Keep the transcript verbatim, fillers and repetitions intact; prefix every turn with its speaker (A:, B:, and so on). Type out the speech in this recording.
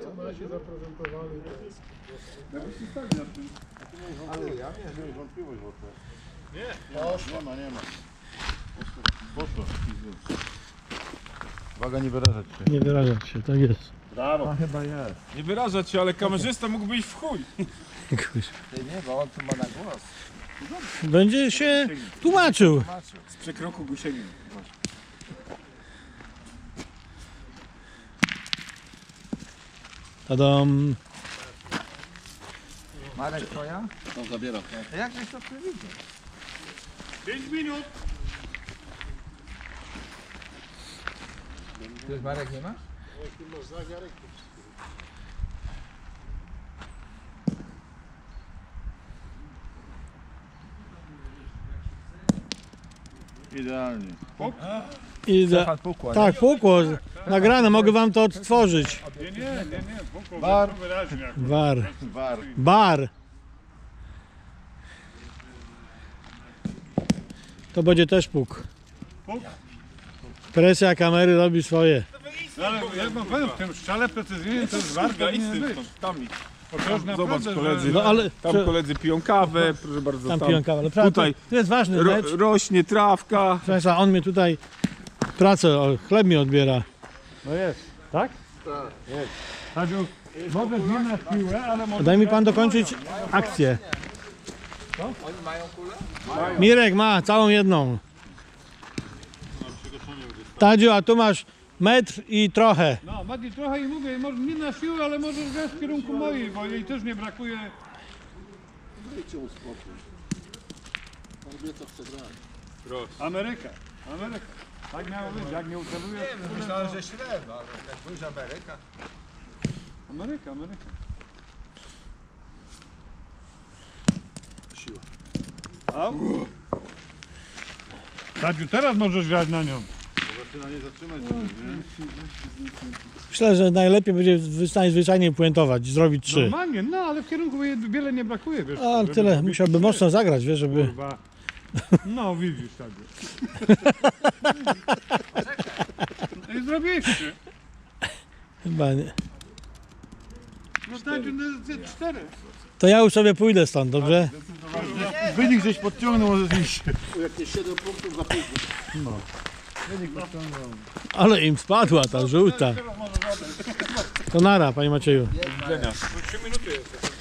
A: się zaprezentowali.
B: Ale ja nie wiem, wątpliwość w ogóle.
A: Nie, poszło.
B: Nie ma, nie ma. Poszło. Uwaga, nie wyrażać się.
C: Nie wyrażać się, tak jest.
B: Brawo. Chyba jest.
D: Nie wyrażać się, ale kamerzysta mógłby iść w chuj.
B: Ty nie, bo on tu ma na głos.
C: Będzie się tłumaczył.
D: Z przekroku go sięgnie.
C: Tadam.
B: Marek, twoja?
A: To zabieram.
B: A jak żeś to przewidział?
D: pięć minut.
B: Ty już Marek nie masz?
A: Idealnie.
C: I za...
B: Stefan pukła,
C: Tak, pukło. Nagrane, mogę wam to odtworzyć.
D: Nie, nie, nie, nie. Pukło,
A: Bar.
D: wyraźnie. jak-
C: War.
A: War.
C: Bar. To będzie też puk.
D: Puk?
C: Presja kamery robi swoje.
D: No, ale jak mam powiem, w tym strzale precyzyjnym to jest warto nie być.
E: Tam,
D: Bo to już
E: zobacz
D: naprawdę,
E: koledzy,
D: że-
C: No ale
E: tam koledzy piją kawę, proszę bardzo,
C: tam
E: tam,
C: piją kawę. Ale prawda,
E: tutaj
C: to jest ważny
E: ro,
C: mecz.
E: rośnie trawka.
C: Proszę Państwa, on mnie tutaj pracę, o, chleb mi odbiera.
D: No jest. Tak? Tak. Jest. Tadziu, może nie na piłę, ale może...
C: Daj mi pan dokończyć akcję.
B: Oni mają kulę?
C: Mirek ma całą jedną. Tadziu, a tu masz metr i trochę.
D: No, Mati, trochę i mówię, może nie na siłę, ale możesz grać w kierunku mojej, bo jej też nie brakuje.
A: Dajcie mu spokój. On wie co chce grać.
D: Ameryka, Ameryka. Tak miało być, jak nie ucelujesz.
B: Nie wiem, myślałem, że średnio, ale jak pójść Ameryka.
D: Ameryka, Ameryka.
A: Siła.
D: Au. Tadziu, teraz możesz grać na nią.
A: Zaczyna nie zatrzymać, żeby, nie?
C: Myślę, że najlepiej będzie najzwyczajniej puentować, zrobić trzy.
D: Normalnie, no ale w kierunku jej wiele nie brakuje, wiesz.
C: A
D: żeby
C: tyle,
D: zrobić
C: musiałby
D: trzy.
C: mocno zagrać, wiesz, żeby...
D: Kurwa. No widzisz, Tadziu. I zrobiłeś trzy.
C: Chyba nie.
D: No Tadziu, no jest cztery.
C: To ja już sobie pójdę stąd, dobrze?
D: Wynik żeś podciągnął, może iść.
A: Jakieś siedem punktów za późno.
C: Ale im spadła ta żółta. To nara, panie Macieju.
D: trzy minuty jest.